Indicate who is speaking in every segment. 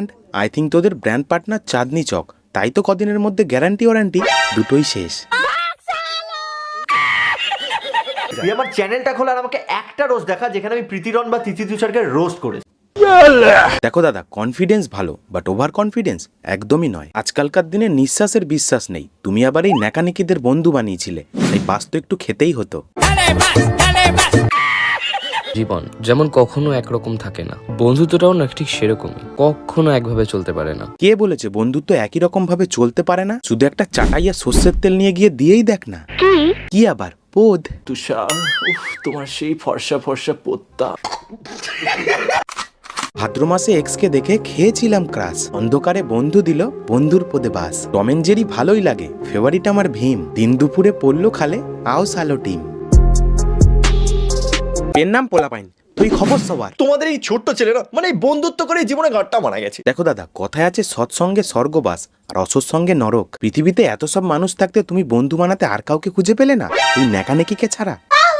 Speaker 1: Brand? I think তোদের brand partner Chandni Chowk, তাই তো কদিনের মধ্যে গ্যারান্টি ওয়ারেন্টি দুটোই শেষ।
Speaker 2: তুই আমার চ্যানেলটা খোলা আর আমাকে একটা রোস্ট দেখা যেখানে আমি প্রীতিরন বা তিথি তুষারকে রোস্ট করেছি।
Speaker 1: দেখো দাদা, কনফিডেন্স ভালো বাট ওভার কনফিডেন্স একদমই নয়। আজকালকার দিনে নিঃশ্বাসের বিশ্বাস নেই, তুমি আবার এই ন্যাকানিকিদের বন্ধু বানিয়েছিলে, তাই বাস তো একটু খেতেই হতো।
Speaker 3: জীবন যেমন কখনো একরকম থাকে না, বন্ধুত্বটাও না ঠিক সেরকমই, কখনো একভাবে চলতে পারে না।
Speaker 1: কে বলেছে বন্ধুত্ব একই রকম ভাবে চলতে পারে না? শুধু একটা চাটাইয়া সর্ষের তেল নিয়ে গিয়ে দিয়েই দেখ না। কি আবার পোদ?
Speaker 2: তুষার, উফ, তোমার সেই ফর্সা ফর্সা পোত্তা।
Speaker 1: ভাদ্র মাসে এক্সকে দেখে খেয়েছিলাম ক্রাশ, অন্ধকারে বন্ধু দিল বন্ধুর পদে বাস। টম এন্ড জেরি ভালোই লাগে, ফেভারিট আমার ভীম। দিন দুপুরে পড়লো খালে আও সালো টিম। এর নাম পোলাপাইন, তুই খবর সবার।
Speaker 2: তোমাদের এই ছোট্ট ছেলেরা মানে এই বন্ধুত্ব করে জীবনে ঘাটটা মারা গেছে।
Speaker 1: দেখো দাদা, কথায় আছে সৎসঙ্গে স্বর্গবাস আর অসৎসঙ্গে নরক। পৃথিবীতে এত সব মানুষ থাকতে তুমি বন্ধু বানাতে আর কাউকে খুঁজে পেলে না, এই নেকানেকিকে ছাড়া?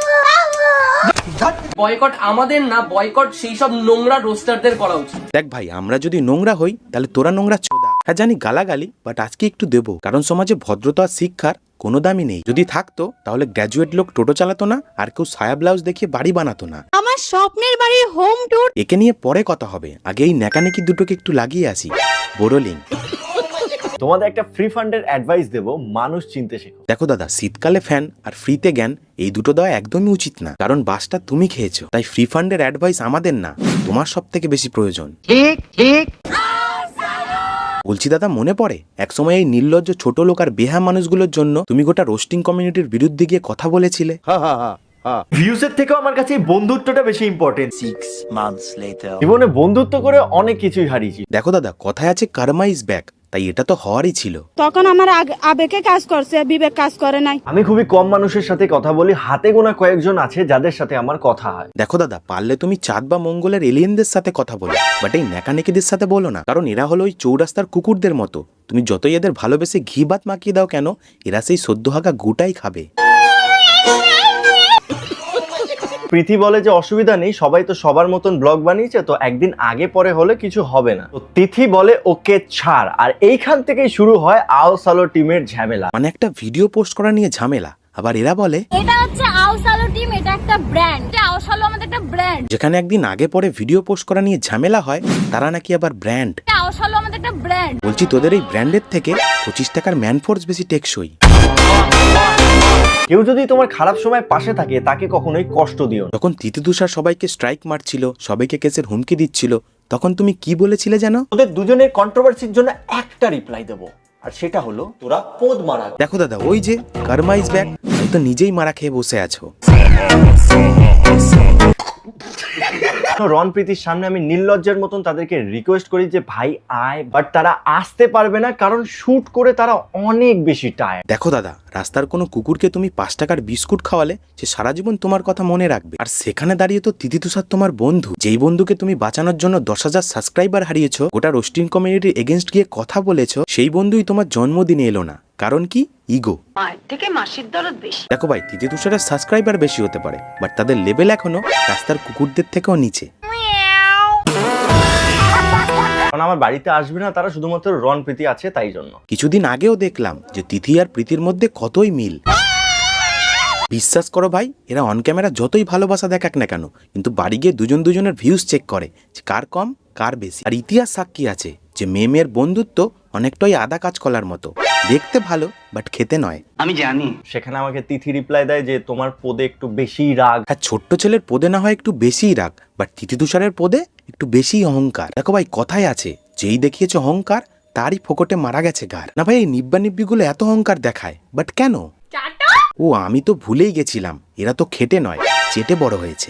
Speaker 4: বয়কট আমাদের না, বয়কট সেই সব নোংরা রোস্টারদের করা উচিত।
Speaker 1: দেখ ভাই, আমরা যদি নোংরা হই তাহলে তোরা নোংরা চোদা। হ্যাঁ জানি গালাগালি, বাট আজকে একটু দেবো, কারণ সমাজে ভদ্রতা আর শিক্ষার কোনো দামই নেই। যদি থাকতো তাহলে গ্র্যাজুয়েট লোক টোটো চালাতো না, আর কেউ সায়া ব্লাউজ দেখিয়ে বাড়ি বানাতো না।
Speaker 5: আমার স্বপ্নের বাড়ির হোম ট্যুর।
Speaker 1: একে নিয়ে পরে কথা হবে, আগে এই নেকানেকি দুটোকে একটু লাগিয়ে আসি। বোরোলিং।
Speaker 2: তোমাদের একটা ফ্রি ফান্ডের অ্যাডভাইস দেবো, মানুষ চিনতে শেখো।
Speaker 1: দেখো দাদা, শীতকালে ফ্যান আর ফ্রিতে জ্ঞান, এই দুটো দেওয়া একদমই উচিত না, কারণ বাসটা তুমি খেয়েছো। তাই ফ্রি ফান্ডের অ্যাডভাইস আমাদের না, তোমার সব থেকে বেশি প্রয়োজন। ঠিক ঠিক বলছি দাদা, মনে পড়ে একসময় এই নির্লজ্জ ছোট লোক আর বেহা মানুষগুলোর জন্য তুমি গোটা রোস্টিং কমিউনিটির বিরুদ্ধে গিয়ে কথা বলেছিলে?
Speaker 2: ভিউজের থেকেও আমার কাছে এই বন্ধুত্বটা বেশি ইম্পর্টেন্ট।
Speaker 6: 6 months later.
Speaker 2: জীবনে বন্ধুত্ব করে অনেক কিছুই হারিয়েছি।
Speaker 1: দেখো দাদা, কথায় আছে কার্মা ইজ ব্যাক, তাই এটা তো হওয়ারই ছিল।
Speaker 5: তখন আমার আবেগে কাজ করছে, বিবেক কাজ করে নাই।
Speaker 2: আমি খুবই কম মানুষের সাথে কথা বলি, হাতে গোনা কয়েকজন আছে যাদের সাথে আমার কথা হয়।
Speaker 1: দেখো দাদা, পারলে তুমি চাঁদ বা মঙ্গলের এলিয়েনদের সাথে কথা বলো, বাট এই নেকানেকিদের সাথে বলো না, কারণ এরা হলো ওই চৌরাস্তার কুকুরদের মতো। তুমি যতই এদের ভালোবেসে ঘি ভাত মাখিয়ে দাও কেন, এরা সেই সদ্যহাগা গুটাই খাবে।
Speaker 2: প্রীতি বলে যে অসুবিধা নেই, সবাই তো সবার মতন ব্লগ বানিয়েছে, তো একদিন আগে পরে হলে কিছু হবে না। তো তিথি বলে ওকে ছাড়, আর এইখান থেকেই শুরু হয় আও সালো টিমের ঝামেলা।
Speaker 1: মানে একটা ভিডিও পোস্ট করা নিয়ে ঝামেলা, আবার এরা বলে
Speaker 5: এটা হচ্ছে আওসালো টিম, এটা একটা ব্র্যান্ড। আওসালো আমাদের একটা ব্র্যান্ড।
Speaker 1: যেখানে একদিন আগে পরে ভিডিও পোস্ট করা নিয়ে ঝামেলা হয়, তারা নাকি আবার ব্র্যান্ড।
Speaker 5: আওসালো আমাদের একটা ব্র্যান্ড।
Speaker 1: বলছি, তোদের এই ব্র্যান্ডের থেকে 25 টাকার ম্যানফোর্স বেশি টেকসই।
Speaker 2: কেউ যদি তোমার খারাপ সময় পাশে থাকে তাকে কখনোই কষ্ট দিও না।
Speaker 1: যখন তিথি তুষার সবাইকে স্ট্রাইক মারছিল, সবাইকে কেসের হুমকি দিচ্ছিল, তখন তুমি কি বলেছিলে জানো?
Speaker 2: ওদের দুজনের কন্ট্রোভার্সির জন্য একটা রিপ্লাই দেবো, আর সেটা হলো তোরা পোদ মারা।
Speaker 1: দেখো দাদা, ওই যে কার্মা ইজ ব্যাক, তাই তো নিজেই মারা খেয়ে বসে আছো।
Speaker 2: রন প্রীতির সামনে আমি নির্লজ্জের মতন তাদেরকে রিকোয়েস্ট করি যে ভাই আয়, বাট তারা আসতে পারবে না, কারণ শুট করে তারা অনেক বেশি টায়ার্ড।
Speaker 1: দেখো দাদা, রাস্তার কোনো কুকুরকে তুমি 5 টাকার বিস্কুট খাওয়ালে সে সারা জীবন তোমার কথা মনে রাখবে, আর সেখানে দাঁড়িয়ে তো তিথি তুষার তোমার বন্ধু, যেই বন্ধুকে তুমি বাঁচানোর জন্য 10,000 সাবস্ক্রাইবার হারিয়েছো, গোটা রোস্টিং কমিউনিটির এগেনস্ট গিয়ে কথা বলেছো, সেই বন্ধুই তোমার জন্মদিনে এলো না। কারণ কি? ইগো।
Speaker 7: মায়ের থেকে মাসির দরদ বেশি।
Speaker 1: দেখো ভাই, তিথি তুষারের সাবস্ক্রাইবার বেশি হতে পারে, বাট তাদের লেভেল এখনো রাস্তার কুকুরদের থেকেও নিচে।
Speaker 2: কারণ আমার বাড়িতে আসবে না তারা, শুধুমাত্র রন প্রীতি আছে তাই জন্য।
Speaker 1: কিছুদিন আগেও দেখলাম যে তিথি আর প্রীতির মধ্যে কতই মিল। বিশ্বাস করো ভাই, এরা অন ক্যামেরা যতই ভালোবাসা দেখাক না কেন, কিন্তু বাড়ি গিয়ে দুজন দুজনের ভিউজ চেক করে যে কার কম কার বেশি। আর ইতিহাস সাক্ষী আছে যে মেয়ের বন্ধুত্ব অনেকটাই আদা কাঁচকলার মতো, দেখতে ভালো বাট খেতে নয়।
Speaker 6: আমি জানি।
Speaker 2: সেখানে আমাকে তিথি রিপ্লাই দেয় যে তোমার পদে একটু বেশি রাগ।
Speaker 1: হ্যাঁ, ছোট্ট ছেলের পদে না হয় একটু বেশিই রাগ, বাট তিথি তুষারের পদে একটু বেশি অহংকার। দেখো ভাই, কথায় আছে যেই দেখিয়েছে অহংকার তারই ফোকটে মারা গেছে গার। না ভাই, এই নিব্বা নিব্বিগুলো এত অহংকার দেখায়, বাট কেন? ও আমি তো ভুলেই গেছিলাম, এরা তো খেটে নয় চেটে বড় হয়েছে।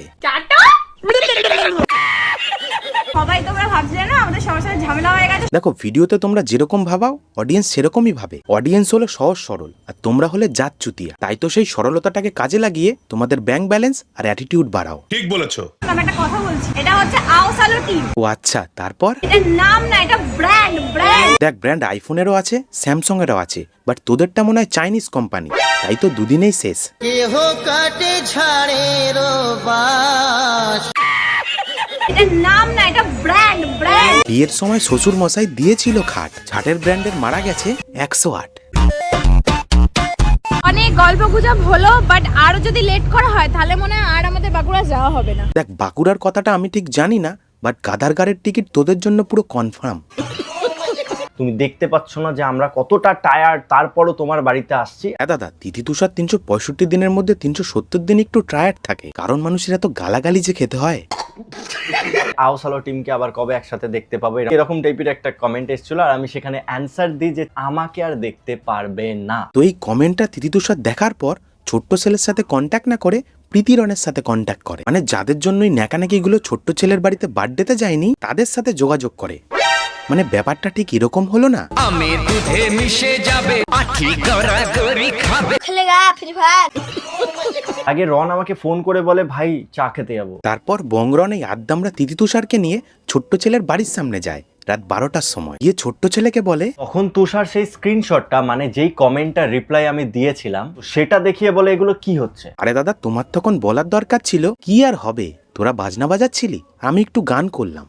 Speaker 5: সবাই তোমরা ভাবছিলে না আমাদের সবার সাথে ঝামেলা হয়ে গেছে।
Speaker 1: দেখো, ভিডিওতে তোমরা যেরকম ভাবাও অডিয়েন্স সেরকমই ভাবে। অডিয়েন্স হলো সহজ সরল, আর তোমরা হলে জাত চুতিয়া। তাই তো সেই সরলতাটাকে কাজে লাগিয়ে তোমাদের ব্যাংক ব্যালেন্স আর অ্যাটিটিউড বাড়াও।
Speaker 8: ঠিক বলেছো।
Speaker 5: আমি একটা কথা বলছি, এটা হচ্ছে আওসালো টিম।
Speaker 1: ও আচ্ছা, তারপর?
Speaker 5: এটা নাম না, এটা ব্র্যান্ড।
Speaker 1: দেখ, ব্র্যান্ড আইফোনেরও আছে, স্যামসং এরও আছে, বাট তোদেরটা মনে হয় চাইনিজ কোম্পানি, তাই তো দুদিনেই শেষ।
Speaker 5: এটা নাম না, এটা ব্র্যান্ড।
Speaker 1: বিয়ের সময় শ্বশুর মশাই দিয়েছিল খাট, ছাটের ব্র্যান্ডের মারা গেছে 108।
Speaker 5: অনেক গল্প গুজব হলো, বাট আরো যদি লেট করা হয় তাহলে মনে হয় আর আমাদের বাঁকুড়া যাওয়া হবে না।
Speaker 1: দেখ, বাঁকুড়ার কথাটা আমি ঠিক জানি না, বাট গাদারগাড়ের টিকিট তোদের জন্য পুরো কনফার্ম।
Speaker 2: তুমি দেখতে পাচ্ছ না যে আমরা কতটা টায়ার্ড, তারপরও তোমার বাড়িতে আসছি।
Speaker 1: হ্যাঁ দাদা, তিথি তুষার 365 দিনের মধ্যে 370 দিন একটু টায়ার্ড থাকে, কারণ মানুষের এত গালাগালি যে খেতে হয়।
Speaker 2: আওসালো টিমকে আবার কবে একসাথে দেখতে পাবো, এরকম টাইপের একটা কমেন্ট এসেছিল, আর আমি সেখানে অ্যান্সার দিই যে আমাকে আর দেখতে পারবে না।
Speaker 1: তো এই কমেন্টটা তিথি তুষার দেখার পর ছোট্ট ছেলের সাথে কন্ট্যাক্ট না করে প্রীতিরনের সাথে কন্ট্যাক্ট করে, মানে যাদের জন্যই ন্যাকানাকি গুলো ছোট্ট ছেলের বাড়িতে বার্থডেতে যায়নি তাদের সাথে যোগাযোগ করে। মানে ব্যাপারটা ঠিক এরকম হলো না?
Speaker 2: আগে রন আমাকে ফোন করে বলে ভাই চা খেতে যাবো,
Speaker 1: তারপর বংরন এই আদ্দামরা তিথি তুষারকে নিয়ে ছোট্ট ছেলের বাড়ির সামনে যায় রাত 12টার সময়। গিয়ে ছোট্ট ছেলেকে বলে,
Speaker 2: তখন তুষার সেই স্ক্রিনশটটা, মানে যেই কমেন্টটা রিপ্লাই আমি দিয়েছিলাম সেটা দেখিয়ে বলে এগুলো কি হচ্ছে।
Speaker 1: আরে দাদা, তোমার তখন বলার দরকার ছিল কি আর হবে, তোরা বাজনা বাজাচ্ছিলি, আমি একটু গান করলাম।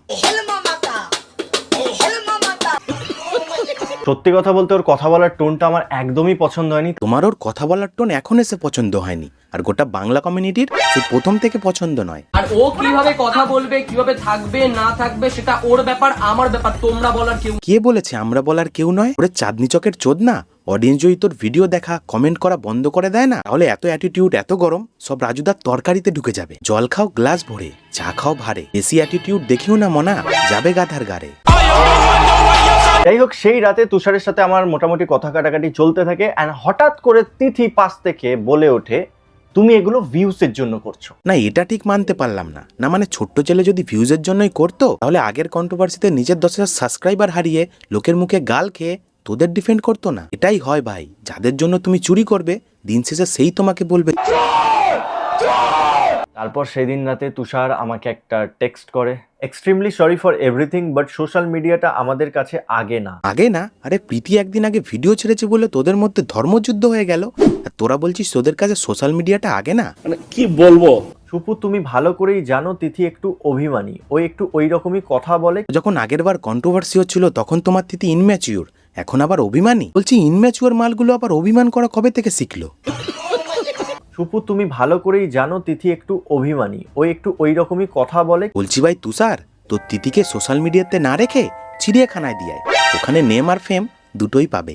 Speaker 2: সত্যি কথা বলতে ওর কথা বলার টোনটা আমার একদমই পছন্দ হয়নি।
Speaker 1: তোমার ওর কথা বলার টোন এখন এসে পছন্দ হয়নি, আর গোটা বাংলা কমিউনিটির সে প্রথম থেকে পছন্দ নয়।
Speaker 4: আর ও কিভাবে কথা বলবে, কিভাবে থাকবে না থাকবে সেটা ওর ব্যাপার, আমার ব্যাপার, তোমরা বলার কেউ।
Speaker 1: কে বলেছে আমরা বলার কেউ নয়? ওরে চাঁদনি চকের চোদ না, অডিয়েন্স যদি তোর ভিডিও দেখা কমেন্ট করা বন্ধ করে দেয় না, তাহলে এত অ্যাটিটিউড এত গরম সব রাজুদার তরকারিতে ঢুকে যাবে। জল খাও গ্লাস ভরে, চা খাও ভারে, বেশি অ্যাটিটিউড দেখিও না মনা, যাবে গাধার গাড়ে।
Speaker 2: যাই হোক, সেই রাতে তুষারের সাথে আমার মোটামুটি কথা কাটাকাটি চলতে থাকে, অ্যান্ড হঠাৎ করে তিথি পাশ থেকে বলে ওঠে তুমি এগুলো ভিউসের জন্য করছো।
Speaker 1: না, এটা ঠিক মানতে পারলাম না। না মানে ছোট্ট ছেলে যদি ভিউজের জন্যই করতো তাহলে আগের কন্ট্রোভার্সিতে নিজের 10,000 সাবস্ক্রাইবার হারিয়ে লোকের মুখে গাল খেয়ে তোদের ডিফেন্ড করতো না। এটাই হয় ভাই, যাদের জন্য তুমি চুরি করবে দিন শেষে সেই তোমাকে বলবে।
Speaker 2: তারপর সেদিন রাতে তুষার আমাকে একটা টেক্সট করে, extremely sorry for everything, but social মিডিয়াটা আমাদের কাছে আগে না।
Speaker 1: আগে না? আরে প্রীতি একদিন আগে ভিডিও ছেড়েছে বলে তোদের মধ্যে ধর্মযুদ্ধ হয়ে গেল, আর তোরা বলছিস তোদের কাছে সোশ্যাল মিডিয়াটা আগে না?
Speaker 2: সুপু, তুমি ভালো করেই জানো তিথি একটু অভিমানী, ও একটু ওই রকমই কথা বলে।
Speaker 1: যখন আগের বার কন্ট্রোভার্সি হচ্ছিল তখন তোমার তিথি ইনম্যাচিওর, এখন আবার অভিমানী। বলছি ইনম্যাচিওর মালগুলো আবার অভিমান করা কবে থেকে শিখলো?
Speaker 2: সুপু, তুমি ভালো করেই জানো তিথি একটু অভিমানী, ও একটু ওই রকমই কথা বলে।
Speaker 1: বলছি ভাই তুষার, তোর তিথিকে সোশ্যাল মিডিয়াতে না রেখে চিড়িয়াখানায় দিয়ে ওখানে নেম আর ফেম দুটোই পাবে।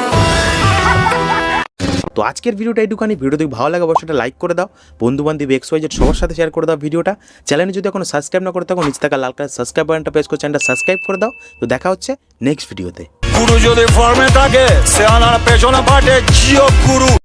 Speaker 1: তো আজকের ভিডিওটা এইটুখানি। ভিডিও দেখে ভালো লাগে অবশ্যই লাইক করে দাও, বন্ধু বান্ধব XYZ সবার সাথে শেয়ার করে দাও ভিডিওটা। চ্যানেলে যদি এখনো সাবস্ক্রাইব না করে থাকো নিচে থাকা লাল কালার সাবস্ক্রাইব বাটনটা প্রেস করে চ্যানেলটা সাবস্ক্রাইব করে দাও। তো দেখা হচ্ছে নেক্সট ভিডিওতে।
Speaker 6: গুরু যদি ফর্মে থাকে সে আনার পেছনে পাঠে জিও গুরু।